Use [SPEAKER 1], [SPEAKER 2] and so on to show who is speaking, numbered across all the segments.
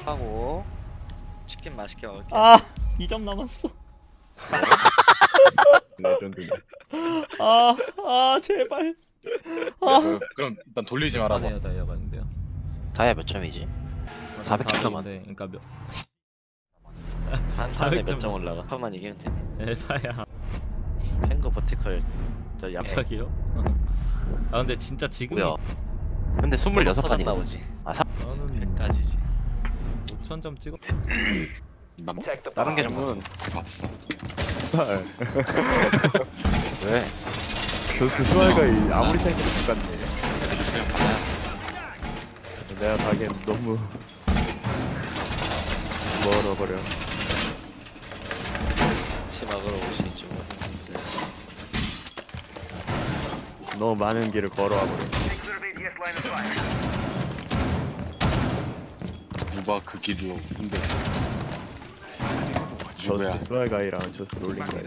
[SPEAKER 1] 하고 치킨 맛있게 먹을게.
[SPEAKER 2] 아 2점 남았어.
[SPEAKER 3] 레전드네.
[SPEAKER 2] 아 제발. 아.
[SPEAKER 4] 그럼 일단 돌리지 말아봐.
[SPEAKER 2] 아니요 다이아봤는데요.
[SPEAKER 5] 다이아 몇 점이지? 400 킬로만.
[SPEAKER 2] 그러니까 몇
[SPEAKER 1] 한 판에
[SPEAKER 2] 400점.
[SPEAKER 1] 몇 점 올라가? 한 판만 이기면 되네.
[SPEAKER 2] 에바야.
[SPEAKER 1] 펭거 버티컬 저 양.
[SPEAKER 2] 갑자기요? 아 근데 진짜 지금
[SPEAKER 5] 뭐야? 근데 26판이네.
[SPEAKER 1] 나오지.
[SPEAKER 2] 저는
[SPEAKER 1] 100까지지.
[SPEAKER 2] 5,000점 찍어.
[SPEAKER 4] 난
[SPEAKER 5] 다른 게좀
[SPEAKER 3] 그러면
[SPEAKER 4] 봤어.
[SPEAKER 5] 왜?
[SPEAKER 3] 그 수아이가 아무리 생각해도 똑같네.
[SPEAKER 4] 있으면 받아야.
[SPEAKER 3] 내가 가기엔 너무 멀어버려.
[SPEAKER 1] 치막으로 오시죠.
[SPEAKER 3] 너무 많은 길을 걸어와 버려.
[SPEAKER 4] 누가 그 길로 근데
[SPEAKER 3] 저
[SPEAKER 4] 누구야?
[SPEAKER 3] 수아이가이랑 저스 롤링가이.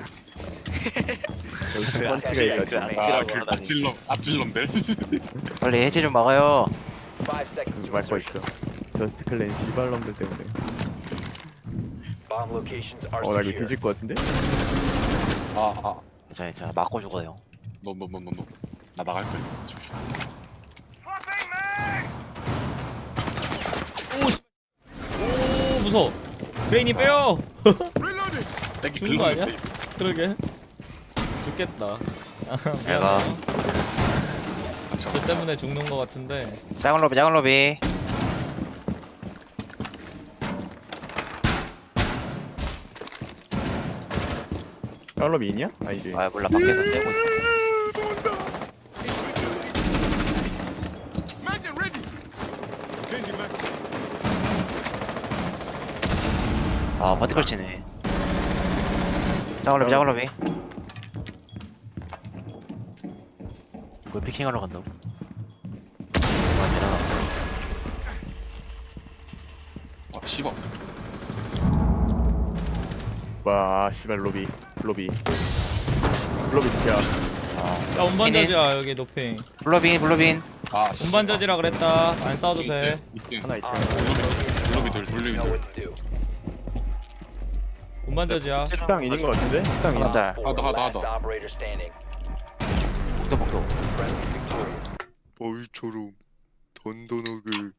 [SPEAKER 3] 저스
[SPEAKER 1] 그
[SPEAKER 3] 펀치가이까지.
[SPEAKER 1] 악질하고 하다니.
[SPEAKER 4] 앞질놈들.
[SPEAKER 5] 빨리 해제 좀 막아요.
[SPEAKER 3] 그러지 말거 있어. 저스트 클랜 시발놈들 때문에. 나 이거 뒤질 것 같은데?
[SPEAKER 5] 괜찮아. 맞고 죽어요.
[SPEAKER 4] 너. 나 나갈 거야. 조심.
[SPEAKER 2] 오 무서워. 브레인이 빼요.
[SPEAKER 4] 땡기
[SPEAKER 2] 죽는 거 아니야?
[SPEAKER 4] 긁었는데.
[SPEAKER 2] 그러게. 죽겠다.
[SPEAKER 5] 내가
[SPEAKER 4] 저
[SPEAKER 2] 저 때문에 죽는 거 같은데.
[SPEAKER 5] 작은 로비.
[SPEAKER 3] 샬롬이 있냐? 아니지.
[SPEAKER 5] 아 몰라 밖에서 떼고 있어. 아 버티컬 치네. 작은 로비. 이걸 피킹하러 간다고? 아니라
[SPEAKER 4] 아 씨발.
[SPEAKER 3] 와, 씨발 로비. 로비 진짜.
[SPEAKER 2] 야 운반자지야 여기 노핑.
[SPEAKER 5] 블러빈.
[SPEAKER 4] 아
[SPEAKER 2] 운반자지라 그랬다. 안 싸워도 돼.
[SPEAKER 3] 하나 있죠.
[SPEAKER 4] 돌리비들.
[SPEAKER 2] 운반자지야.
[SPEAKER 3] 식당 있는 것 같은데? 식당 있는.
[SPEAKER 5] 하나
[SPEAKER 4] 하다.
[SPEAKER 5] 복도.
[SPEAKER 1] 벌처럼 던던하게.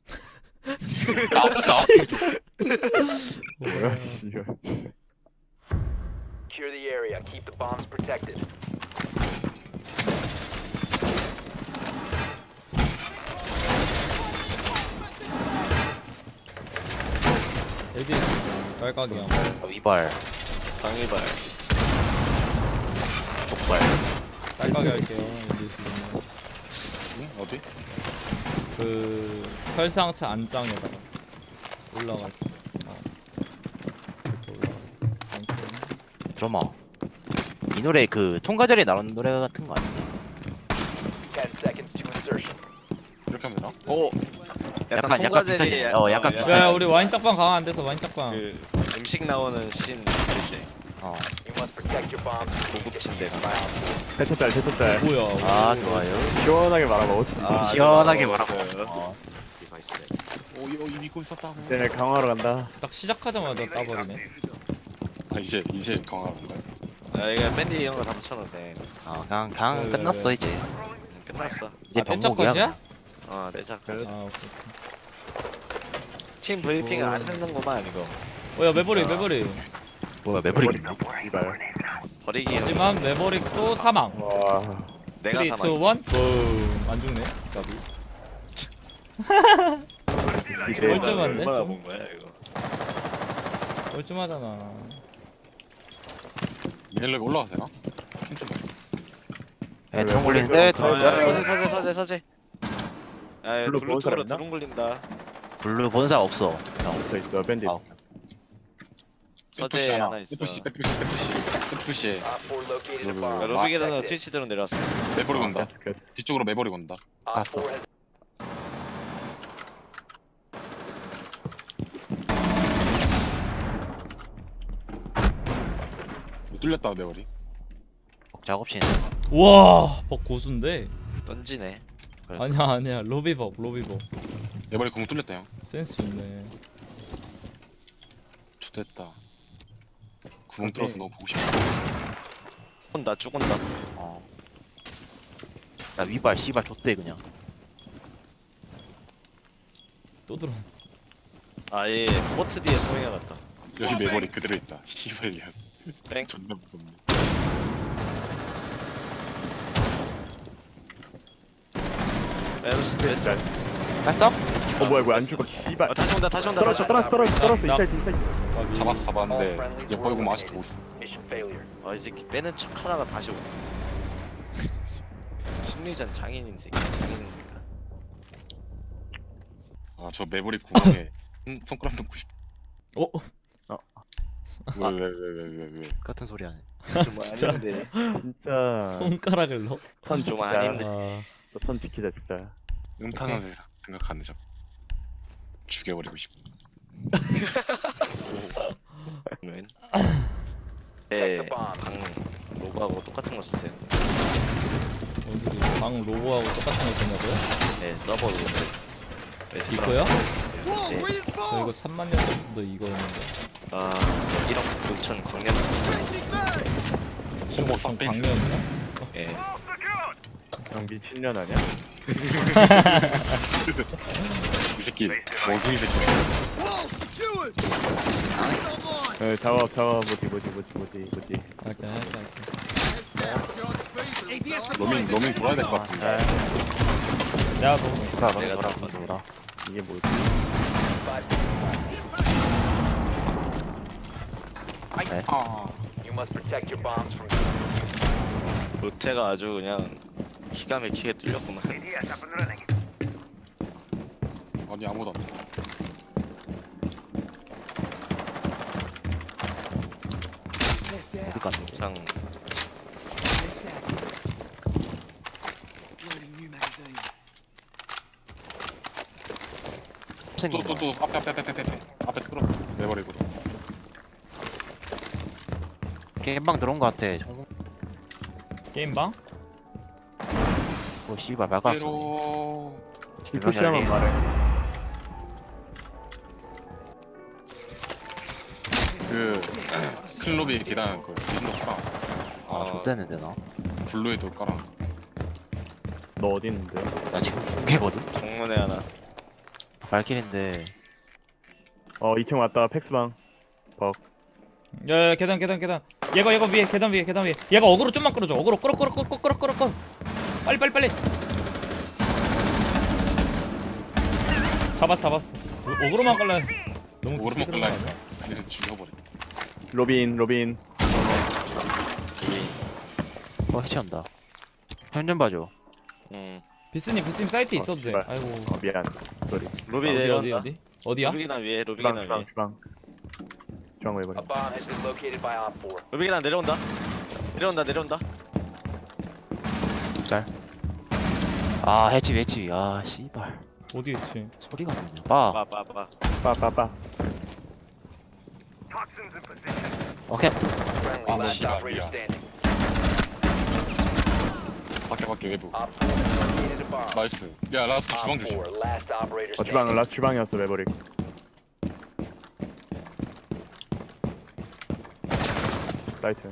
[SPEAKER 3] 뭐야, 씨발.
[SPEAKER 6] Secure the area. Keep the bombs protected.
[SPEAKER 2] 여기 깔깍이야.
[SPEAKER 5] 위발.
[SPEAKER 1] 방위발.
[SPEAKER 5] 족발.
[SPEAKER 2] 깔깍이 할게요. 여기 지금
[SPEAKER 4] 응? 어디?
[SPEAKER 2] 그 설상차 안장에다가 올라가 있어. 이렇게 올라가 있어.
[SPEAKER 5] 드러머. 이 노래 그 통과절에 나오는 노래 같은 거 아니야?
[SPEAKER 6] 10 seconds to insertion.
[SPEAKER 4] 이렇게 하면 되나?
[SPEAKER 1] 오.
[SPEAKER 5] 약간
[SPEAKER 1] 통과제리.
[SPEAKER 5] 비슷하게. 약간 비슷하게.
[SPEAKER 2] 야 우리 와인 딱방 강화 안 돼서 와인 딱방.
[SPEAKER 1] 그 음식 나오는 씬 있을 때
[SPEAKER 5] 어.
[SPEAKER 6] You must protect your bombs.
[SPEAKER 1] 고급진데.
[SPEAKER 3] 대쳤달.
[SPEAKER 2] 뭐야?
[SPEAKER 5] 아 좋아요.
[SPEAKER 3] 시원하게 말아먹었지.
[SPEAKER 5] 시원하게 말하고.
[SPEAKER 4] 오 이거 믿고 있었다고.
[SPEAKER 3] 쟤네 강화하러 간다.
[SPEAKER 2] 딱 시작하자마자 따버리네.
[SPEAKER 4] 아 이제 강화하는 거야.
[SPEAKER 1] 아 이거 밴드 이런 거 다 붙여놓으세요.
[SPEAKER 5] 그냥
[SPEAKER 2] 네.
[SPEAKER 5] 끝났어 이제.
[SPEAKER 1] 끝났어.
[SPEAKER 5] 이제
[SPEAKER 2] 펜처
[SPEAKER 5] 병목이야.
[SPEAKER 2] 컷이야?
[SPEAKER 1] 내작.
[SPEAKER 2] 아 오케이.
[SPEAKER 1] 팀 브리핑을 안 했는구만 이거.
[SPEAKER 2] 어야 매버릭.
[SPEAKER 5] 뭐야 매브릭.
[SPEAKER 3] 이발.
[SPEAKER 1] 버리기.
[SPEAKER 2] 하지만 매버릭도 사망.
[SPEAKER 3] 와.
[SPEAKER 1] 내가
[SPEAKER 2] 3, 2, 1,
[SPEAKER 1] 사망.
[SPEAKER 2] 붐. 안 죽네. 까비. 멀쩡한데?
[SPEAKER 1] 얼마나 본 거야 이거.
[SPEAKER 2] 뻘쭘하잖아.
[SPEAKER 4] 미넬렉 올라가세요?
[SPEAKER 5] 네, 총 굴리는데
[SPEAKER 1] 서재. 야
[SPEAKER 3] 블루
[SPEAKER 1] 블루
[SPEAKER 3] 보는 사람
[SPEAKER 1] 쪽으로
[SPEAKER 3] 있나?
[SPEAKER 1] 드론 굴린다.
[SPEAKER 5] 블루 본사 없어.
[SPEAKER 3] 저 있어, 밴딧.
[SPEAKER 5] 아.
[SPEAKER 1] 서재 하나 있어.
[SPEAKER 4] 백푸시.
[SPEAKER 6] Op 4 located a
[SPEAKER 4] Blue.
[SPEAKER 6] bomb.
[SPEAKER 1] 로비 계단으로
[SPEAKER 6] Protect it.
[SPEAKER 1] 트위치 드론 내려왔어.
[SPEAKER 4] 매버릭 온다.
[SPEAKER 3] 됐어.
[SPEAKER 4] 뒤쪽으로 매버릭 온다.
[SPEAKER 6] Op 4 has
[SPEAKER 4] 뚫렸다 매버릭.
[SPEAKER 5] 작업실.
[SPEAKER 2] 우와 벅 고수인데.
[SPEAKER 4] 됐다. 구멍 뚫어서 너무 보고 싶어.
[SPEAKER 1] 죽은다 죽은다.
[SPEAKER 5] 어. 나 위발 씨발 줬대 그냥.
[SPEAKER 2] 또 들어.
[SPEAKER 1] 아예 포트 뒤에 소행해 갔다.
[SPEAKER 4] 여기 매버리 그대로 있다. 씨발년.
[SPEAKER 1] 뺑.
[SPEAKER 4] 존나 무섭네.
[SPEAKER 1] 에로스 됐어.
[SPEAKER 5] 갔어?
[SPEAKER 3] 뭐야 이거 안 죽어 씨발.
[SPEAKER 1] 다시 온다 다시 온다.
[SPEAKER 3] 떨어져
[SPEAKER 1] 다시 온다.
[SPEAKER 3] 떨어져
[SPEAKER 2] 나-
[SPEAKER 3] 이탈 이탈.
[SPEAKER 4] 잡았어
[SPEAKER 6] All
[SPEAKER 4] 잡았는데
[SPEAKER 6] friendlies
[SPEAKER 4] 얘
[SPEAKER 6] were
[SPEAKER 4] 벌금 아직도 못
[SPEAKER 6] eliminated. Mission failure.
[SPEAKER 1] 이 새끼 빼는 척 하다가 다시 오네. 심리전 장인인 새끼. 장인입니다.
[SPEAKER 4] 아저 매버리 구멍에 손가락 넣고 싶어.
[SPEAKER 2] 어?
[SPEAKER 4] 왜?
[SPEAKER 5] 같은 소리 하네.
[SPEAKER 1] 좀 아닌데.
[SPEAKER 3] 진짜
[SPEAKER 2] 손가락을 넣어?
[SPEAKER 3] 선
[SPEAKER 1] 좀
[SPEAKER 3] 지키자.
[SPEAKER 1] 아닌데.
[SPEAKER 2] 아,
[SPEAKER 3] 선 지키자 진짜.
[SPEAKER 4] 음탕한 생각하는 척. 죽여버리고 싶어.
[SPEAKER 1] 네.
[SPEAKER 6] Protect the bomb.
[SPEAKER 1] 방 로고하고 똑같은 거 쓰세요.
[SPEAKER 2] 뭔 소리? 방 로고하고 똑같은 거 썼냐고요?
[SPEAKER 1] 네 서버 로고.
[SPEAKER 2] 이거요?
[SPEAKER 1] 네.
[SPEAKER 2] 저 이거 3만 년 전부터 이거였는데.
[SPEAKER 1] 아 1억 6천 광년.
[SPEAKER 4] 홍보 싹 빼.
[SPEAKER 2] 광년이야?
[SPEAKER 1] 예.
[SPEAKER 3] 형 미친년 아니야?
[SPEAKER 4] 이 새끼 원숭이 새끼.
[SPEAKER 3] 잡아 뭐지.
[SPEAKER 2] 할게.
[SPEAKER 4] 로밍 돌아야 될 것 같은데.
[SPEAKER 2] 야, 너
[SPEAKER 1] 내가
[SPEAKER 5] 돌아
[SPEAKER 1] 다
[SPEAKER 5] 돌아.
[SPEAKER 3] 이게 뭐지?
[SPEAKER 6] You must protect your bombs from
[SPEAKER 1] 로테가 아주 그냥 기가 막히게 뚫렸구만.
[SPEAKER 4] 아니 아무도 안 돼.
[SPEAKER 5] 어디 갔노?
[SPEAKER 1] 장
[SPEAKER 5] 생긴 거.
[SPEAKER 4] 또 앞에 끌어. 매버리고.
[SPEAKER 5] 게임방 들어온 거 같아.
[SPEAKER 2] 게임방?
[SPEAKER 5] 오 씨발 막았어.
[SPEAKER 4] pero
[SPEAKER 3] 디프시하면 말해.
[SPEAKER 4] 그 클럽이 계단 그 미신도 깔아.
[SPEAKER 5] 아 좆됐는데 나.
[SPEAKER 4] 블루에도 깔아.
[SPEAKER 3] 너 어디 있는데?
[SPEAKER 5] 나 지금 중계거든.
[SPEAKER 1] 정문에 하나.
[SPEAKER 5] 발길인데
[SPEAKER 3] 2층 왔다 팩스방.
[SPEAKER 2] 야, 계단. 얘가 위에 계단 위에. 얘가 어그로 좀만 끌어줘. 어그로 끌어. 빨리. 잡았어. 어그로만 끌래. 너무
[SPEAKER 4] 오르막
[SPEAKER 2] 기스러운 거
[SPEAKER 4] 끌라.
[SPEAKER 2] 아니야?
[SPEAKER 4] 그냥 죽여버려.
[SPEAKER 3] 로빈.
[SPEAKER 5] 어 해체한다. 현전 봐줘.
[SPEAKER 2] 비스님 사이트 있어도 돼.
[SPEAKER 3] 씨발.
[SPEAKER 2] 아이고.
[SPEAKER 3] 미안. 쏘리.
[SPEAKER 1] 로비
[SPEAKER 2] 어디?
[SPEAKER 1] 내려온다.
[SPEAKER 2] 어디야?
[SPEAKER 1] 로비계단 위에 로비계단 위에.
[SPEAKER 3] 주방 왜
[SPEAKER 6] a
[SPEAKER 3] 버려?
[SPEAKER 6] bomb has been located by Op 4.
[SPEAKER 1] 로비계단 내려온다. 내려온다.
[SPEAKER 5] 아 해치. 아 씨발.
[SPEAKER 2] 어디 있지?
[SPEAKER 5] 소리가 뭐냐. 봐.
[SPEAKER 1] 빠.
[SPEAKER 3] 빠빠빠.
[SPEAKER 5] 오케이.
[SPEAKER 6] Friendly last
[SPEAKER 4] 씨발,
[SPEAKER 6] operator
[SPEAKER 4] 미안.
[SPEAKER 6] standing.
[SPEAKER 4] 밖에 외부.
[SPEAKER 6] Op 4 located a bomb.
[SPEAKER 4] 나이스. 야 라스트 주방
[SPEAKER 6] Op
[SPEAKER 4] 조심.
[SPEAKER 6] 4 last operator
[SPEAKER 3] 주방
[SPEAKER 6] standing.
[SPEAKER 3] 라스 주방이었어 매버릭. 라이트.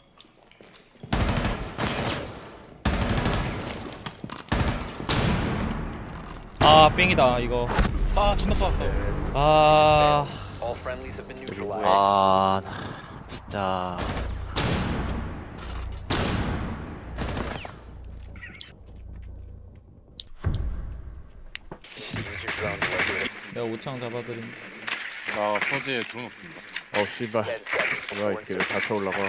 [SPEAKER 2] 아, 뺑이다 이거.
[SPEAKER 4] 아 존나 쏴.
[SPEAKER 2] 아,
[SPEAKER 6] All friendlies have been neutralized.
[SPEAKER 5] 아 진짜.
[SPEAKER 6] Use your drone to locate
[SPEAKER 2] 내가 5창 잡아드림.
[SPEAKER 4] 나 서재에 드론 없습니다.
[SPEAKER 3] 씨발.
[SPEAKER 6] 10 seconds.
[SPEAKER 3] 뭐야 이 새끼 다 쳐올라가.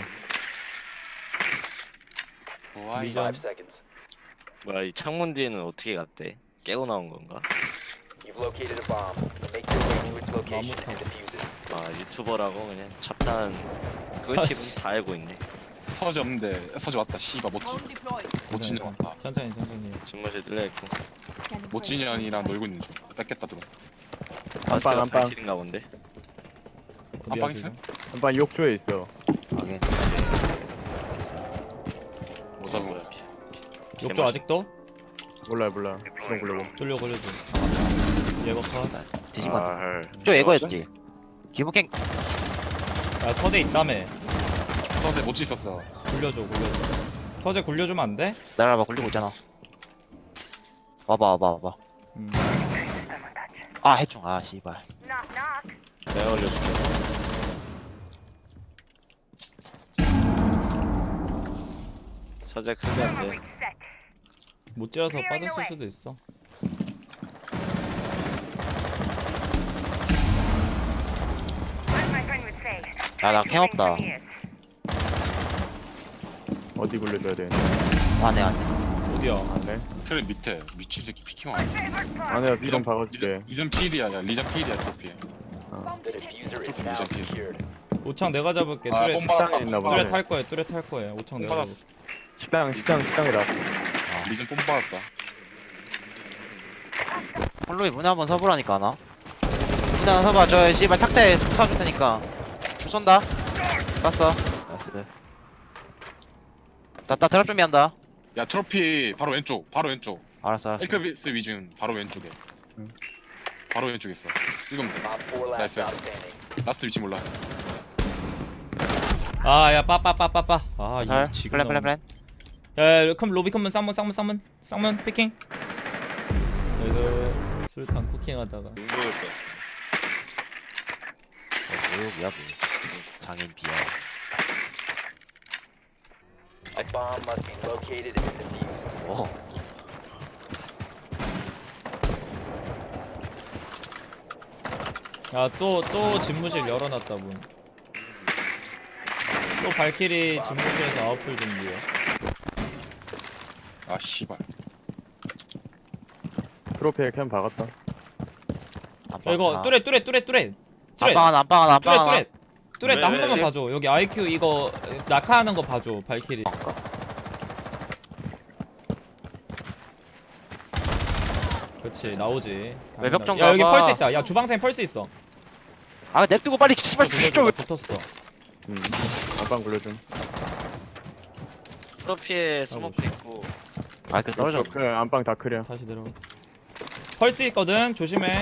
[SPEAKER 4] 와이.
[SPEAKER 2] 미전.
[SPEAKER 6] 5 seconds.
[SPEAKER 1] 뭐야 이 창문 뒤에는 어떻게 갔대? 깨고 나온 건가?
[SPEAKER 6] You've located a bomb. Make your way to its location and defuse it.
[SPEAKER 1] 아 유튜버라고 그냥 잡다한 꿀팁은 다 알고 있네.
[SPEAKER 4] 서재 없는데 서재 왔다. 씨발 멋진 왔다.
[SPEAKER 2] 천천히.
[SPEAKER 1] 집무실 뚫려있고.
[SPEAKER 4] 멋진년이랑 놀고 있는 중. 뺏겠다 드론.
[SPEAKER 1] 바스가
[SPEAKER 3] 안방.
[SPEAKER 1] 발길인가 본데?
[SPEAKER 4] 안방 있어?
[SPEAKER 3] 한번 욕조에 있어.
[SPEAKER 5] 확인.
[SPEAKER 4] 뭐 잡은
[SPEAKER 1] 뭐야?
[SPEAKER 4] 거야?
[SPEAKER 2] 욕조 아직도?
[SPEAKER 3] 몰라. 주방 굴려고.
[SPEAKER 2] 뚫려 걸려줘. 얘가 파.
[SPEAKER 5] 뒤집어.
[SPEAKER 1] 아,
[SPEAKER 5] 저 예거였지. 기본갱.
[SPEAKER 2] 야 서재 있다며.
[SPEAKER 4] 서재 못지 있었어.
[SPEAKER 2] 굴려줘. 서재 굴려주면 안 돼?
[SPEAKER 5] 날아봐 굴리고 있잖아. 와봐.
[SPEAKER 2] 음.
[SPEAKER 5] 아 해충. 아 씨발.
[SPEAKER 1] 내가 올려줄게. 서재 클리어인데.
[SPEAKER 2] 못 지어서 빠졌을 수도 있어.
[SPEAKER 5] 야나 캠 없다.
[SPEAKER 3] 어디 굴려줘야 돼?
[SPEAKER 5] 안해.
[SPEAKER 2] 어디야?
[SPEAKER 3] 안돼.
[SPEAKER 4] 트랩 밑에 미친 새끼 피킹 와.
[SPEAKER 3] 안에 비좀 박아줄게.
[SPEAKER 4] 리전 필이야. 야 리전 필이야 트로피.
[SPEAKER 6] The diffuser is now secured.
[SPEAKER 2] 오창 내가 잡을게.
[SPEAKER 4] 아
[SPEAKER 2] 뚜레
[SPEAKER 3] 식당에 있나 보네.
[SPEAKER 2] 뚜레 탈 거야. 뚜레 탈 거야. 오창 내가
[SPEAKER 4] 받았어.
[SPEAKER 2] 잡을게.
[SPEAKER 3] 식당이다.
[SPEAKER 4] 리전 뽐 받았다.
[SPEAKER 5] 홀로이 문에 한번 서보라니까 하나. 문에 하나 서봐. 저 씨발 탁자에 쏴줄 테니까. 줄 쏜다. 쐈어. 나이스. 나 드랍 준비한다.
[SPEAKER 4] 야 트로피 바로 왼쪽.
[SPEAKER 5] 알았어.
[SPEAKER 4] 에크비스 위준 바로 왼쪽에.
[SPEAKER 3] 응.
[SPEAKER 4] 바로 왼쪽에 있어. 지금
[SPEAKER 6] Op 4 last
[SPEAKER 4] Nice.
[SPEAKER 6] stop standing.
[SPEAKER 4] 라스트 위치 몰라.
[SPEAKER 2] 아야 빠빠빠빠빠.
[SPEAKER 5] 잘.
[SPEAKER 2] 이 지금.
[SPEAKER 5] 플랜.
[SPEAKER 2] 야 컴 로비 컴은 쌍문 피킹. 그래서 술탄 쿠킹하다가.
[SPEAKER 1] 눈 보일 거.
[SPEAKER 5] 뭐야 뭐. 장인 비야.
[SPEAKER 6] A bomb must be located and defused.
[SPEAKER 5] 오.
[SPEAKER 2] 야또 집무실 열어놨다 문. 또 발키리 집무실에서 아웃풀 준비해.
[SPEAKER 4] 아 씨발.
[SPEAKER 3] 트로피에 캠 박았다.
[SPEAKER 2] 야, 이거 뚜레
[SPEAKER 5] 안방 하나.
[SPEAKER 2] 뚜레 나 한
[SPEAKER 1] 왜,
[SPEAKER 2] 번만
[SPEAKER 1] 왜?
[SPEAKER 2] 봐줘. 여기 IQ 이거 낙하하는 거 봐줘. 발키리. 그렇지 나오지.
[SPEAKER 5] 외벽 좀
[SPEAKER 2] 야 여기
[SPEAKER 5] 가봐.
[SPEAKER 2] 펄스 있다. 야 주방창에 펄스 있어.
[SPEAKER 5] 아 냅두고 빨리 씨발
[SPEAKER 2] 좀
[SPEAKER 5] 좀.
[SPEAKER 2] 붙었어.
[SPEAKER 3] 안방 굴려줌.
[SPEAKER 1] 트로피에 스모크 있고.
[SPEAKER 5] 아 그 떨어져.
[SPEAKER 3] 그 안방 다 크려.
[SPEAKER 2] 다시 내려가. 펄스 있거든. 조심해.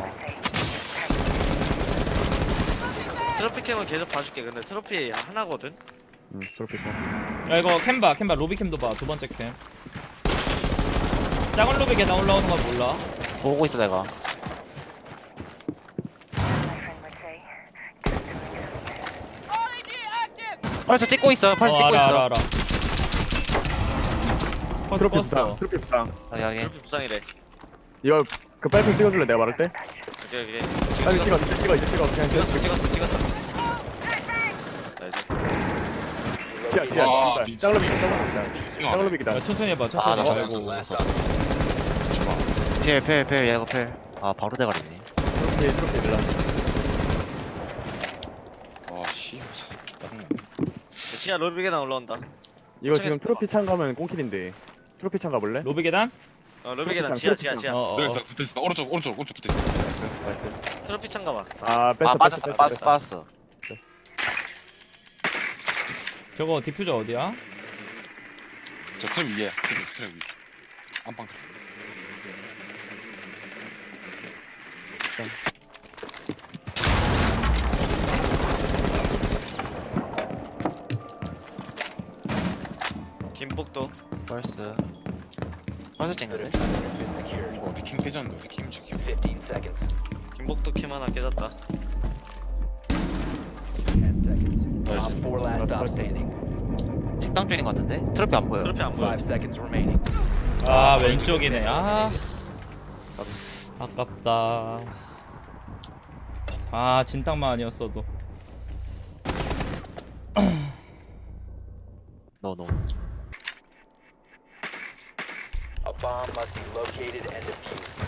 [SPEAKER 1] 트로피 캠은 계속 봐줄게. 근데 트로피 하나거든.
[SPEAKER 3] 트로피 캠.
[SPEAKER 2] 야 이거 캠봐 로비 캠도 봐. 두 번째 캠. 작은 로비 계단 올라오는 건 몰라.
[SPEAKER 5] 보고 있어 내가. 벌써 찍고 있어. 벌써 찍고 있어.
[SPEAKER 2] 알아. 펄스
[SPEAKER 3] 트로피
[SPEAKER 2] 껐어.
[SPEAKER 3] 부상. 트로피 부상.
[SPEAKER 5] 여기.
[SPEAKER 1] 트로피 부상이래.
[SPEAKER 3] 이거 그 빨핑 찍어줄래? 내가 말할 때?
[SPEAKER 1] 오케이.
[SPEAKER 3] 빨리
[SPEAKER 1] 찍었어.
[SPEAKER 3] 찍어. 그냥
[SPEAKER 1] 찍었어. 나이스.
[SPEAKER 3] 치아.
[SPEAKER 4] 아,
[SPEAKER 3] 짱로비기다.
[SPEAKER 2] 야 천천히 해봐.
[SPEAKER 5] 아, 나
[SPEAKER 2] 천천히.
[SPEAKER 5] 봤어.
[SPEAKER 4] 주마.
[SPEAKER 5] 필 얘가 필. 아 바로 대가리네.
[SPEAKER 3] 트로피 밀라.
[SPEAKER 4] 아 씨발. 짜증나.
[SPEAKER 1] 지하 로비 계단 올라온다.
[SPEAKER 3] 이거 지금 트로피 창 가면 꽁킬인데. 트로피 창 가볼래?
[SPEAKER 2] 로비 계단?
[SPEAKER 1] 로비 계단 지하.
[SPEAKER 2] 어어.
[SPEAKER 4] 붙어있어. 오른쪽 붙어있어.
[SPEAKER 3] 나이스.
[SPEAKER 1] 트로피 창 가봐.
[SPEAKER 3] 아 뺐어.
[SPEAKER 5] 아 빠졌어.
[SPEAKER 2] 저거 디퓨저 어디야?
[SPEAKER 4] 저 트랩 위에. 트랩 위. 안방 트랩.
[SPEAKER 1] 김복도.
[SPEAKER 5] 벌써 찡그래.
[SPEAKER 6] Diffuser is secured.
[SPEAKER 4] 이거 어떻게 캠 깨졌는데 어떻게 캠 지켜.
[SPEAKER 6] 15 seconds.
[SPEAKER 1] 김복도 캠 하나 깨졌다.
[SPEAKER 6] 10 seconds.
[SPEAKER 4] 나이스.
[SPEAKER 6] Op 4 last stop standing.
[SPEAKER 5] 식당 쪽인 것 같은데? 트로피 안 보여.
[SPEAKER 1] 트로피 안 보여.
[SPEAKER 6] 5 seconds remaining.
[SPEAKER 2] 아 왼쪽이네. 아 아깝다. 아 진탕만 아니었어도.
[SPEAKER 5] 너.
[SPEAKER 6] A bomb must be located and defused.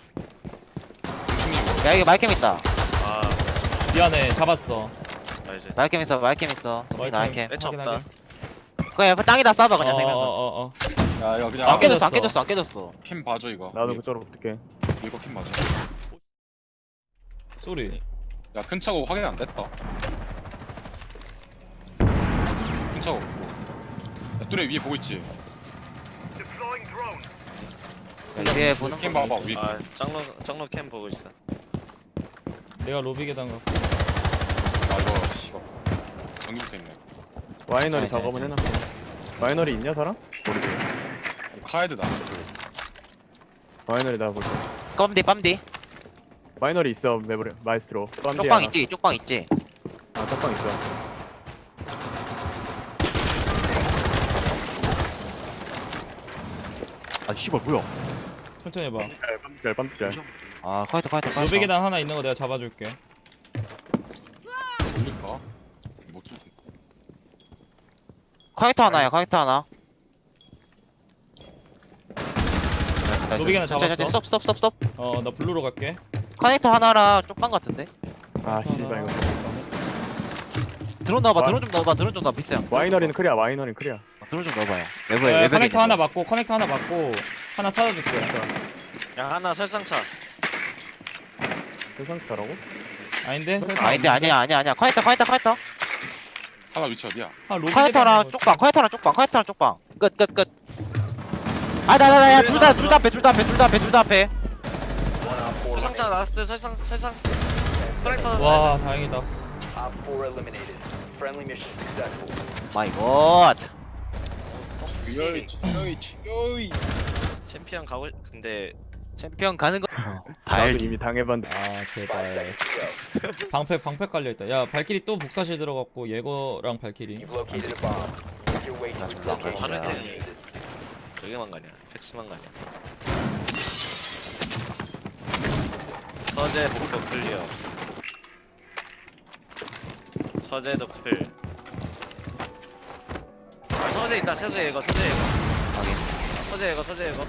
[SPEAKER 5] 야 이거 말캠 있다.
[SPEAKER 1] 아
[SPEAKER 2] 미안해 잡았어.
[SPEAKER 1] 나이스.
[SPEAKER 5] 말캠 있어. 여기 말캠.
[SPEAKER 1] 매치 없다.
[SPEAKER 2] 확인하게.
[SPEAKER 5] 그냥 땅에다 쏴봐 그냥 세면서.
[SPEAKER 2] 어어어.
[SPEAKER 4] 야 이거 그냥
[SPEAKER 5] 안
[SPEAKER 2] 깨졌어.
[SPEAKER 5] 깨졌어.
[SPEAKER 4] 캠 봐줘 이거.
[SPEAKER 3] 나도 그쪽으로 붙을게.
[SPEAKER 4] 이거 캠 봐줘.
[SPEAKER 2] 쏘리.
[SPEAKER 4] 야 큰 차고 확인 안 됐다. 큰 차고 없고. 야 뚜레 위에 보고 있지.
[SPEAKER 5] 야, 위에 보는
[SPEAKER 4] 캠
[SPEAKER 5] 거.
[SPEAKER 4] 봐봐 위에.
[SPEAKER 1] 아 짱로 캠 보고 있어.
[SPEAKER 2] 내가 로비 계단 가.
[SPEAKER 4] 아 이거 씨발. 전기부터 있네.
[SPEAKER 3] 와이너리
[SPEAKER 5] 네,
[SPEAKER 3] 작업은
[SPEAKER 5] 네,
[SPEAKER 3] 해놨고. 와이너리 있냐 사람? 모르겠어.
[SPEAKER 4] 카에드 나한테 들어있어.
[SPEAKER 3] 와이너리 나 볼게.
[SPEAKER 5] 빰디.
[SPEAKER 3] 와이너리 있어 메브레 마이스트로. 빰디
[SPEAKER 5] 쪽방
[SPEAKER 3] 하나.
[SPEAKER 5] 있지, 쪽방 있지.
[SPEAKER 3] 아 쪽방 있어.
[SPEAKER 5] 아, 씨발, 뭐야?
[SPEAKER 2] 천천히 해봐.
[SPEAKER 3] 빰디짤.
[SPEAKER 5] 아, 카이터.
[SPEAKER 2] 노베 계단 하나 있는 거 내가 잡아줄게.
[SPEAKER 4] 올릴까? 못 뚫지.
[SPEAKER 5] 카이터 하나야, 카이터 하나.
[SPEAKER 2] 노베 계단 잡았어.
[SPEAKER 5] 스톱.
[SPEAKER 2] 나 블루로 갈게.
[SPEAKER 5] 커넥터 하나랑 쪽방 같은데?
[SPEAKER 3] 아 씨발 이거.
[SPEAKER 5] 드론 넣어봐, 드론 좀 넣어봐, 비싸.
[SPEAKER 3] 와이너리는 크리아. 와이너리는 크리아.
[SPEAKER 5] 드론 좀 넣어봐요.
[SPEAKER 2] 커넥터 하나 맞고 하나 찾아줄게.
[SPEAKER 1] 야 하나 설상차.
[SPEAKER 3] 세상차라고?
[SPEAKER 2] 아닌데?
[SPEAKER 5] 아닌데, 아니야. 카이터.
[SPEAKER 4] 하나 위치 어디야?
[SPEAKER 2] 로비
[SPEAKER 5] 카이터랑 쪽방. 끝. 아, 야, 둘 다 앞에.
[SPEAKER 6] One Op 4
[SPEAKER 1] 설상차
[SPEAKER 6] remaining.
[SPEAKER 1] 나왔을 설상. 커넥터.
[SPEAKER 2] 와 다행이다.
[SPEAKER 6] Op 4 eliminated. Friendly mission successful.
[SPEAKER 5] 마이 갓.
[SPEAKER 4] 치요이.
[SPEAKER 1] 챔피언 가고 근데
[SPEAKER 5] 챔피언 가는 거.
[SPEAKER 3] 나도
[SPEAKER 5] 알지.
[SPEAKER 3] 이미 당해봤는데.
[SPEAKER 2] 아
[SPEAKER 6] 5
[SPEAKER 2] 제발.
[SPEAKER 6] seconds to go.
[SPEAKER 2] 방패 깔려있다. 야 발키리 또 복사실 들어갔고 예거랑 발키리.
[SPEAKER 6] You've located a bomb. Make your way to its location
[SPEAKER 1] 바로
[SPEAKER 6] and
[SPEAKER 1] 그냥
[SPEAKER 6] defuse it.
[SPEAKER 1] 저기만 가냐? 팩스만 가냐? 서재 목표 클리어. 서재도 클. 아, 서재 있다. 서재 이거.
[SPEAKER 5] 확인.
[SPEAKER 1] 서재 이거.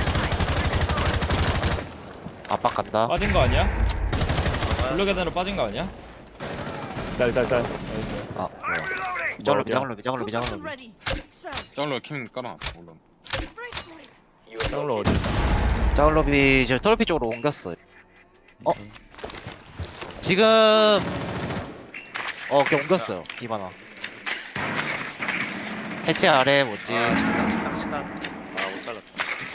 [SPEAKER 5] 압박 간다.
[SPEAKER 2] 빠진 거 아니야? 블루 계단으로 빠진 거 아니야?
[SPEAKER 3] 짤.
[SPEAKER 5] 아, 뭐야. 미장로.
[SPEAKER 7] ready. Sir,
[SPEAKER 4] 짱로 캠 깔아놨어. 물론.
[SPEAKER 7] brace for it.
[SPEAKER 6] You have
[SPEAKER 3] 짱로 어디?
[SPEAKER 5] 자글럽이 저 톨피 쪽으로 옮겼어. 지금 그냥 옮겼어요. 이바나. 해체 아래 뭐지?
[SPEAKER 1] 식당. 아, 못 잘랐다.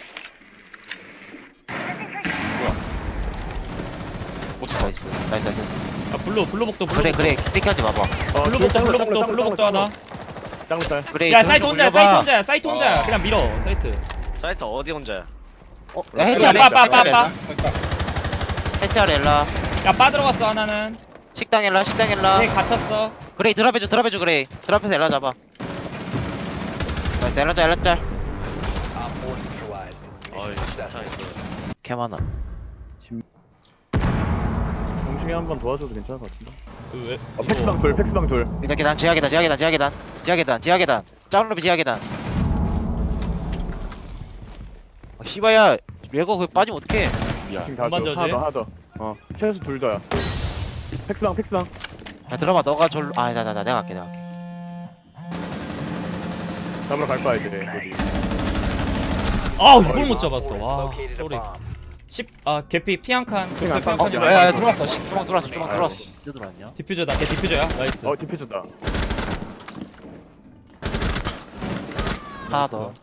[SPEAKER 4] 못 찾아.
[SPEAKER 5] 나이스.
[SPEAKER 2] 아 블루복도
[SPEAKER 5] 그래 픽하지 마봐.
[SPEAKER 2] 블루복도 하나.
[SPEAKER 3] 짱로 짤.
[SPEAKER 5] 그래.
[SPEAKER 2] 야
[SPEAKER 5] 드론
[SPEAKER 2] 사이트
[SPEAKER 5] 좀
[SPEAKER 2] 혼자야
[SPEAKER 5] 올려봐.
[SPEAKER 2] 사이트 혼자야. 그냥 밀어 사이트.
[SPEAKER 1] 사이트 어디 혼자야?
[SPEAKER 5] 야, 해체 아래.
[SPEAKER 2] 빠빠빠빠.
[SPEAKER 5] 해체 아래 엘라.
[SPEAKER 2] 야 빠들어갔어 하나는.
[SPEAKER 5] 식당 엘라.
[SPEAKER 2] 걔 갇혔어.
[SPEAKER 5] 그래 드랍해줘 그래. 드랍해서 엘라 잡아. 나이스 엘라 짤.
[SPEAKER 6] Op 4 neutralized.
[SPEAKER 1] 어이,
[SPEAKER 6] Mission
[SPEAKER 1] 식당
[SPEAKER 6] successful.
[SPEAKER 1] 있어.
[SPEAKER 5] 개 많아.
[SPEAKER 3] 동중이 한번 도와줘도 괜찮을 것 같은데.
[SPEAKER 2] 왜?
[SPEAKER 3] 팩스방 둘.
[SPEAKER 5] 일단 계단 지하 계단. 짜울로비 지하 계단. 씨바야 레고 그 빠지면 어떡해.
[SPEAKER 4] 미안.
[SPEAKER 3] 지금 다
[SPEAKER 2] 만져도
[SPEAKER 3] 줘.
[SPEAKER 2] 돼?
[SPEAKER 3] 하나 더. 최소 둘 더야. 팩스방.
[SPEAKER 5] 야 들어봐 너가 절로 내가 갈게.
[SPEAKER 3] 잡으러 갈 거야 이제. 여기.
[SPEAKER 2] 아 이걸 못 잡았어.
[SPEAKER 6] Op 4
[SPEAKER 2] 와
[SPEAKER 6] located a
[SPEAKER 2] 쏘리.
[SPEAKER 6] bomb.
[SPEAKER 2] 10 개피 피 한 칸.
[SPEAKER 3] 피 한 칸.
[SPEAKER 2] 칸.
[SPEAKER 5] 야야 들어왔어. 주방 들어왔어. 어디 들어왔냐?
[SPEAKER 2] 디퓨저다. 걔 디퓨저야. 나이스.
[SPEAKER 3] 디퓨저다.
[SPEAKER 5] 하나 더.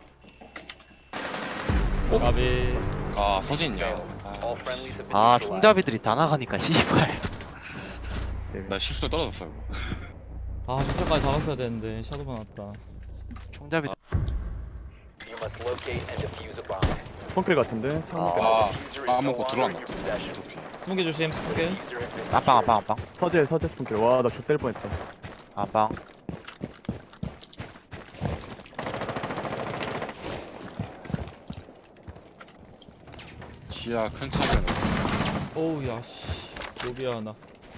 [SPEAKER 2] 가비.
[SPEAKER 4] 아 서진이야.
[SPEAKER 6] All friendlies have been
[SPEAKER 5] 아
[SPEAKER 6] neutralized.
[SPEAKER 5] 총잡이들이 다 나가니까 씨발.
[SPEAKER 4] 나 실수로 떨어졌어 이거.
[SPEAKER 2] 아 저까지 잡았어야 되는데 샤도가 났다.
[SPEAKER 5] 총잡이.
[SPEAKER 6] You must locate and defuse a bomb.
[SPEAKER 3] 펑클 같은데. 창문
[SPEAKER 4] 아,
[SPEAKER 6] Diffuser is
[SPEAKER 4] 아,
[SPEAKER 6] no
[SPEAKER 4] 먹고
[SPEAKER 6] longer
[SPEAKER 4] 들어왔나?
[SPEAKER 6] in your possession.
[SPEAKER 2] 스모게 조심 스모게.
[SPEAKER 6] Diffuser has been
[SPEAKER 5] 안방.
[SPEAKER 3] 서재 스폰클. 와나 좆될 뻔했다.
[SPEAKER 5] 안방.
[SPEAKER 4] 지하 큰 창문.
[SPEAKER 2] 오우 야씨. 로비야 하나.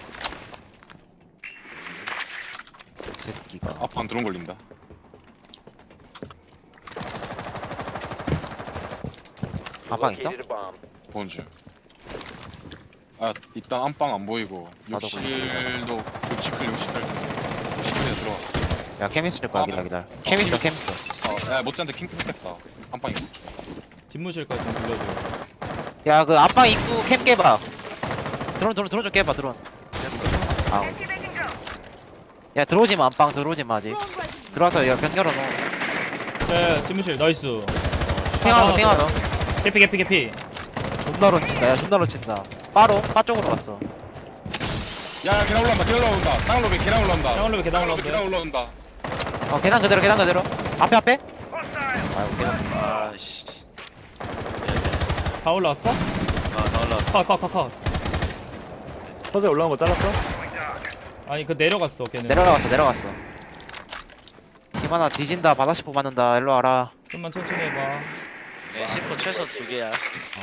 [SPEAKER 5] 새끼가.
[SPEAKER 4] 앞판 드론 걸린다.
[SPEAKER 5] 안방 있어?
[SPEAKER 6] located a bomb.
[SPEAKER 4] 본 중. 아 일단 안방 안 보이고
[SPEAKER 5] 나도
[SPEAKER 4] 욕실도 60킬 60킬에 들어와.
[SPEAKER 5] 야 케미스 줄 거야 기다려. 케미스.
[SPEAKER 4] 야 못지한테 킹크 했겠다. 안방이.
[SPEAKER 2] 집무실까지 좀 불러줘.
[SPEAKER 5] 야 그 안방 입구 캠 깨봐. 드론 좀 깨봐 드론. 아. 야 들어오지 마 안방 들어오지 마 아직.
[SPEAKER 7] Drone ready.
[SPEAKER 5] 들어와서 야병 열어놓어.
[SPEAKER 2] 야 집무실 나이스.
[SPEAKER 5] 핑하노.
[SPEAKER 2] 개피.
[SPEAKER 5] 존나 런친다. 야 존나 런친다. 빠로 빠 쪽으로 갔어.
[SPEAKER 4] 야 계단 올라온다 계단 올라온다 땅 로비 계단 올라온다
[SPEAKER 2] 쌍얼로비 계단
[SPEAKER 4] 땅 로비 계단
[SPEAKER 2] 올라온다.
[SPEAKER 4] 올라온다
[SPEAKER 5] 계단 그대로 계단 그대로. 앞에. 아이고 계단.
[SPEAKER 1] 아씨.
[SPEAKER 2] 다 올라왔어?
[SPEAKER 1] 아다 올라왔어.
[SPEAKER 2] 컷.
[SPEAKER 3] 서재 올라온 거 잘랐어?
[SPEAKER 2] 아니 그 내려갔어 걔는.
[SPEAKER 5] 내려갔어. 김하나 뒤진다. 바다시포 맞는다. 일로 와라.
[SPEAKER 2] 좀만 천천히 해봐.
[SPEAKER 1] 네, C4 최소 2개야.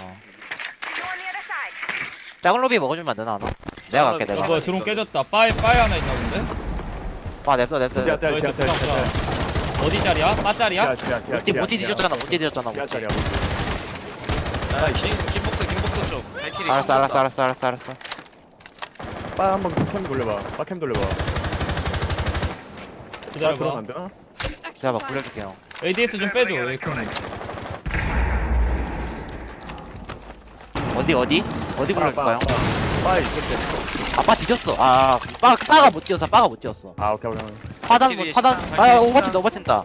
[SPEAKER 5] 작은 로비 먹어주면 안 되나 하나? 내가 갈게
[SPEAKER 2] 어,
[SPEAKER 5] 내가.
[SPEAKER 2] 뭐야 드론 깨졌다. 바에 하나 있나 본데?
[SPEAKER 5] 냅둬.
[SPEAKER 3] 야,
[SPEAKER 2] 나이스, 부상. 어디 자리야? 바 자리야?
[SPEAKER 5] 모티 뒤졌잖아.
[SPEAKER 3] 야짜리야.
[SPEAKER 1] 아 김복도 쪽. 발키리.
[SPEAKER 5] 알았어.
[SPEAKER 3] 빠 한번 캠 돌려봐. 빠캠 돌려봐.
[SPEAKER 2] 기다려봐.
[SPEAKER 3] 들어가면 안 되나?
[SPEAKER 5] 제가 막 굴려줄게요.
[SPEAKER 2] ADS 좀 빼줘. 에이크는.
[SPEAKER 5] 어디 굴려줄까요?
[SPEAKER 3] 빠 있었대.
[SPEAKER 5] 아빠 뒤졌어. 빠가 못 뛰었어.
[SPEAKER 3] 아 오케이.
[SPEAKER 5] 파단. 오버친다.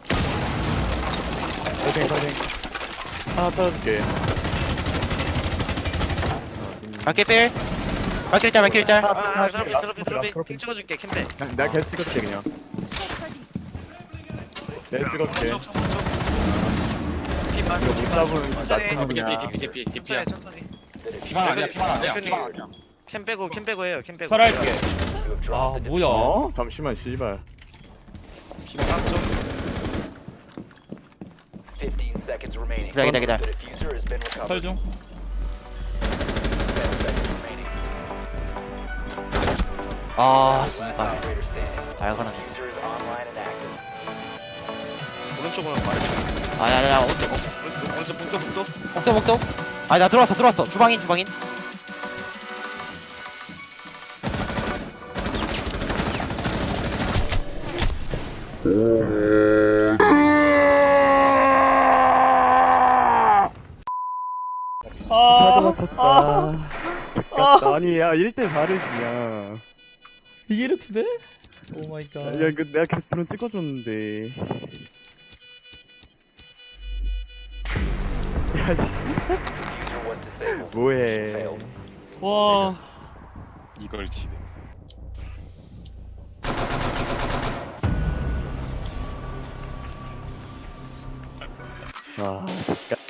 [SPEAKER 3] 파이팅. 하나 떨어줄게.
[SPEAKER 5] 발길 짤.
[SPEAKER 1] 아 드롭이. 핑 찍어줄게 캠페.
[SPEAKER 3] 내가 계속 찍어줄게 그냥. 내가 찍어줄게.
[SPEAKER 1] 핀만.
[SPEAKER 3] 이거 못 잡으면
[SPEAKER 1] 천천히.
[SPEAKER 3] 나쁜 놈이야.
[SPEAKER 4] 개피야
[SPEAKER 1] 천천히.
[SPEAKER 4] 피만 아니야 피만 아니야
[SPEAKER 1] 캠 빼고 해요. 캠 빼고.
[SPEAKER 2] 설할게.
[SPEAKER 6] You have dropped
[SPEAKER 2] 아
[SPEAKER 6] the
[SPEAKER 2] 뭐야?
[SPEAKER 3] 어? 잠시만 씨발.
[SPEAKER 4] 피만
[SPEAKER 1] 좀
[SPEAKER 6] 15 seconds remaining.
[SPEAKER 5] 기다려.
[SPEAKER 6] The diffuser has been recovered.
[SPEAKER 2] 설 중.
[SPEAKER 6] 10 seconds remaining.
[SPEAKER 5] 씨발.
[SPEAKER 6] Operator standing.
[SPEAKER 5] 잘 가는.
[SPEAKER 6] Diffuser is online and active.
[SPEAKER 1] 오른쪽으로 말해줘.
[SPEAKER 5] 야야야.
[SPEAKER 1] 오른쪽 복도.
[SPEAKER 5] 목도. 나 들어왔어. 주방인.
[SPEAKER 3] 잠깐. 아니 야 1대 4를 지냐.
[SPEAKER 2] 이게 이렇게 돼? 오 마이 갓.
[SPEAKER 3] 야 이거 내가 계속 드론 찍어줬는데. 야 씨.
[SPEAKER 6] Diffuser was disabled.
[SPEAKER 3] 뭐해.
[SPEAKER 6] Failed.
[SPEAKER 2] 와.
[SPEAKER 4] 이걸 지네
[SPEAKER 3] 아,